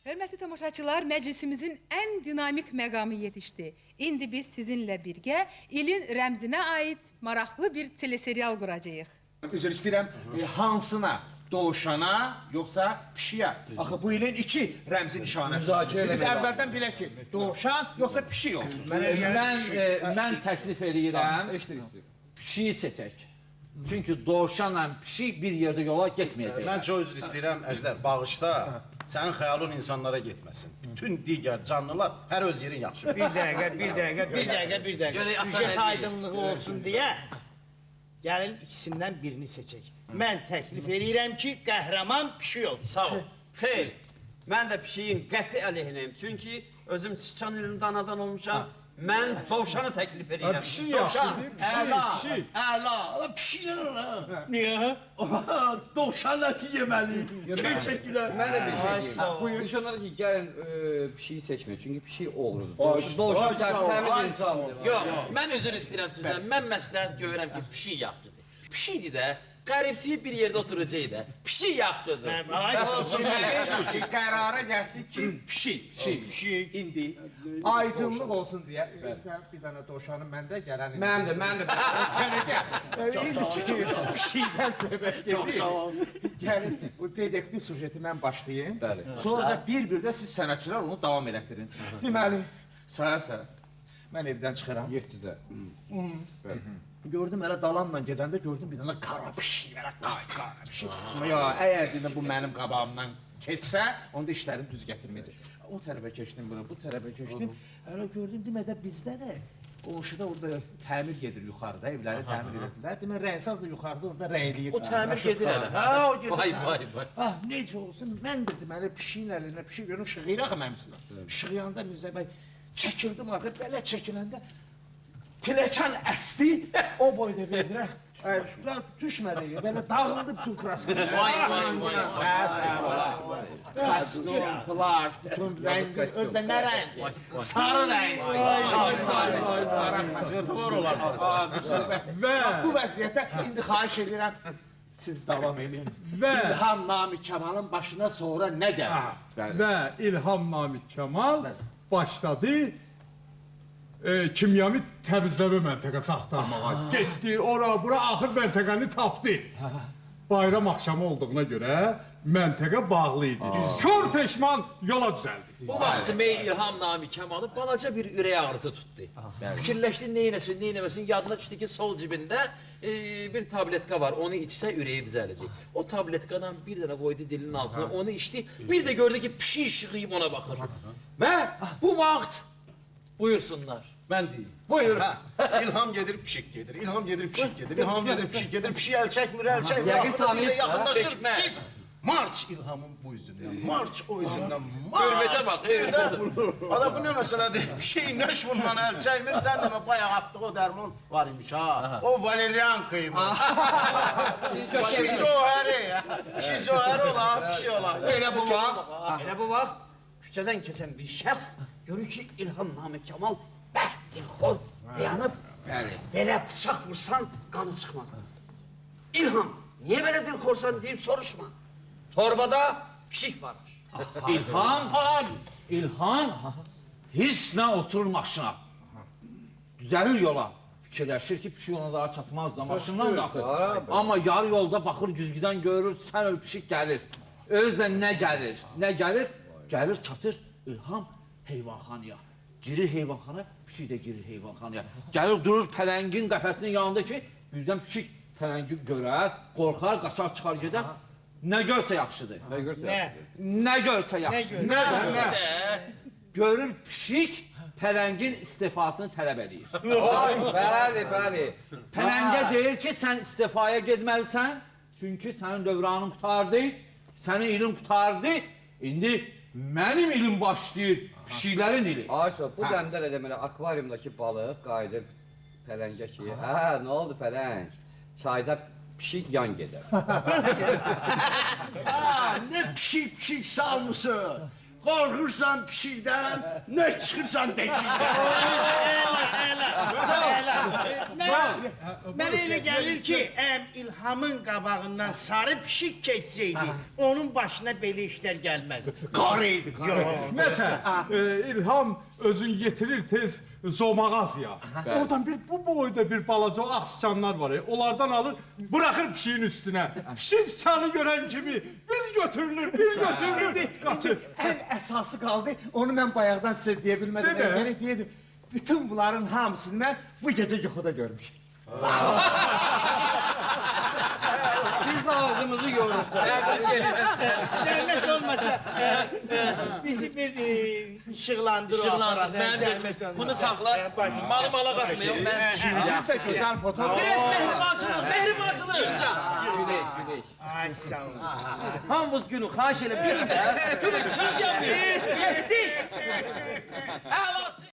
Hörmətli tamaşaçılar, məclisimizin ən dinamik məqamı yetişdi. İndi biz sizinlə birgə ilin rəmzinə aid maraqlı bir teleserial quracağıq. Üzr istəyirəm, hansına? Doğuşana, yoxsa pişiyə? Axı bu ilin iki rəmzi nişanəsi. Biz əvvəldən bilək ki, doğuşan, yoxsa pişik olsun. Mən təklif edirəm, pişiyi seçək. Çünki doğuşanla pişik bir yerdə yola getməyəcək. Mən çox üzr istəyirəm, Əjdər, bağışda sənin xəyalın insanlara getməsin. Bütün digər canlılar hər öz yerin yaxşı. Bir dəqiqə. Süjet aydınlığı olsun deyə gəlin ikisindən birini seçək. Mən təklif edirəm ki, qəhrəman pişik olsun. Sağ ol. Xeyr, mən də pişiyin qəti əleyhinəyim. Çünki özüm sıçan ilin danadan olmuşam. Mən dovşanı təklif edirəm. Pişik yaxşıdır, pişik. Əla, pişiklər ola. Niyə? Dovşan əti yeməli. Gerçəklər. Mən də bir şey deyim. Buyur. İş onlara ki, gəlin pişiyi seçməyin. Çünki pişik oğrudur. Doğuşan təmiz insandır. Yox, mən üzr istəyirəm sizdən. Mən məsləhət görürəm ki, pişik yaxşıdır. Pişikdir də, qəribsiyib bir yerdə oturacaq da. Pişik yaxşıdır. Qərara gəldik ki, pişik. İndi aydınlıq olsun deyə sən bir dənə doğuşanı məndə gələn. Mən də. Sənə gəl. İndi pişikdən söhbət gedir. Gəlin, bu dedektiv sujeti mən başlayayım. Bəli. Sonra da bir-bir də siz sənətçilər onu davam elətdirin. Deməli, sayarsan, mən evdən çıxıram. 7-də. Gördüm elə dalanla gedəndə gördüm bir dənə qara pişik, belə qara pişik. Ya, əgər dedim bu mənim qabağımdan keçsə, onda işlərim düz gətirməyəcək. O tərəfə keçdim bura, bu tərəfə keçdim. Elə gördüm, demədə bizdə də qonşuda orada təmir gedir yuxarıda, evləri təmir edirlər. Demə rəngsaz da yuxarıda orada rəngləyir. O təmir gedir hələ. Hə, o gedir. Vay. Ah, necə olsun, mən də deməli pişiyin əlinə pişik görüm, şığıyır axı mənim üstümə. Şığıyanda Mirzə bəy çəkildim axı, belə çəkiləndə Piləkan əsdi, o boyda vedirək. Düşmədi, belə dağıldı bütün kraskı. Vay. Kostyum, plaj, bütün rəngi, özdə nə rəngi? Sarı rəngi. Svetofor olarsınız. Bu vəziyyətdə indi xahiş edirəm, siz davam edin. İlham Nami Kemal'ın başına sonra nə gəlir? Və İlham Namik Kemal başladı kimyəvi təmizləmə məntəqəsi axtarmağa. Getdi, ora, bura, axır məntəqəni tapdı. Bayram axşamı olduğuna görə məntəqə bağlı idi. Kör peşman yola düzəldi. Bu vaxt İlham Nami Kemalı balaca bir ürək ağrısı tutdu. Fikirləşdi, neynəməsin, yadına düşdü ki, sol cibində bir tabletka var, onu içsə ürəyi düzələcək. O tabletkadan bir dənə qoydu dilinin altına, onu içdi, bir də gördü ki, pişik şığıyıb ona baxır. Və bu vaxt buyursunlar. Mən deyim. Buyur. İlham gedir, pişik gedir. İlham gedir, pişik gedir. İlham gedir, pişik gedir. Pişik əl çəkmir. Yəqin tanıyır. Yaxınlaşır, pişik. Març İlhamın bu üzündən, març o üzündən, març. Hürmətə bax, Ada bu nə məsələdir? Pişik nöş bundan əl çəkmir. Sən demə, bayaq atdığı o dərman var imiş ha. O valerian qıymış. Pişik cöhəri ola, pişik ola. Elə bu vaxt küçədən keçən bir şəxs görür ki, İlham Nami Kemal bərk dilxor dayanıb, belə bıçaq vursan qanı çıxmaz. İlham, niyə belə dilxorsan deyib soruşma. Torbada pişik var. İlham hisslə oturur maşına. Düzəlir yola. Fikirləşir ki, pişik ona daha çatmaz da, maşından da axır. Amma yarı yolda baxır, güzgüdən görür, sən öl pişik gəlir. Özlə nə gəlir? Gəlir, çatır İlham heyvanxanaya. Girir heyvanxana, pişik də girir heyvanxanaya. Gəlir, durur pələngin qəfəsinin yanında ki, birdən pişik pələngi görər, qorxar, qaçar, çıxar gedər. Nə görsə yaxşıdır. Nə görsə yaxşıdır. Nə? Görür pişik pələngin istifasını tələb edir. Bəli. Pələngə deyir ki, sən istifaya getməlisən, çünki sənin dövranın qutardı, sənin ilin qutardı, indi mənim ilim başlayır, pişiklərin ili. Ayşə, bu dəmdə də deməli akvaryumdakı balıq qayıdır pələngə ki, nə oldu pələng? Çayda pişik yan gedər. Nə pişik salmışsın. Qorxursan pişikdən, nə çıxırsan deşikdən. Mən elə gəlir ki, İlhamın qabağından sarı pişik keçsəydi, onun başına belə işlər gəlməz. Qarı idi, qarı. Nəsə, İlham özün yetirir tez Zomağazya. Oradan bu boyda bir balaca o ağsıçanlar var. Onlardan alır, bırakır pişiğin üstüne. Pişik sıçanı gören kimi bir götürülür, kaçır. Ən əsası qaldı, onu mən bayaqdan sizə deyə bilmədim. De də. Mən gərək deyədim. Bütün bunların hamısını mən bu gecə yuxuda görmüşəm. Biz de ağzımızı yoruruz. Zəhmət olmasa, bizi bir işıqlandır o aparat. Zəhmət olmasa. Bunu saxla. Malı mala qatmayın. Mən Biz də gözəl fotoğraf. Biraz mehribancılıq. Güneş. Ay sağ olun. Hamımız günü xahiş elə bir də. Günü çöl yanmıyor. Getdik. Əlaçı.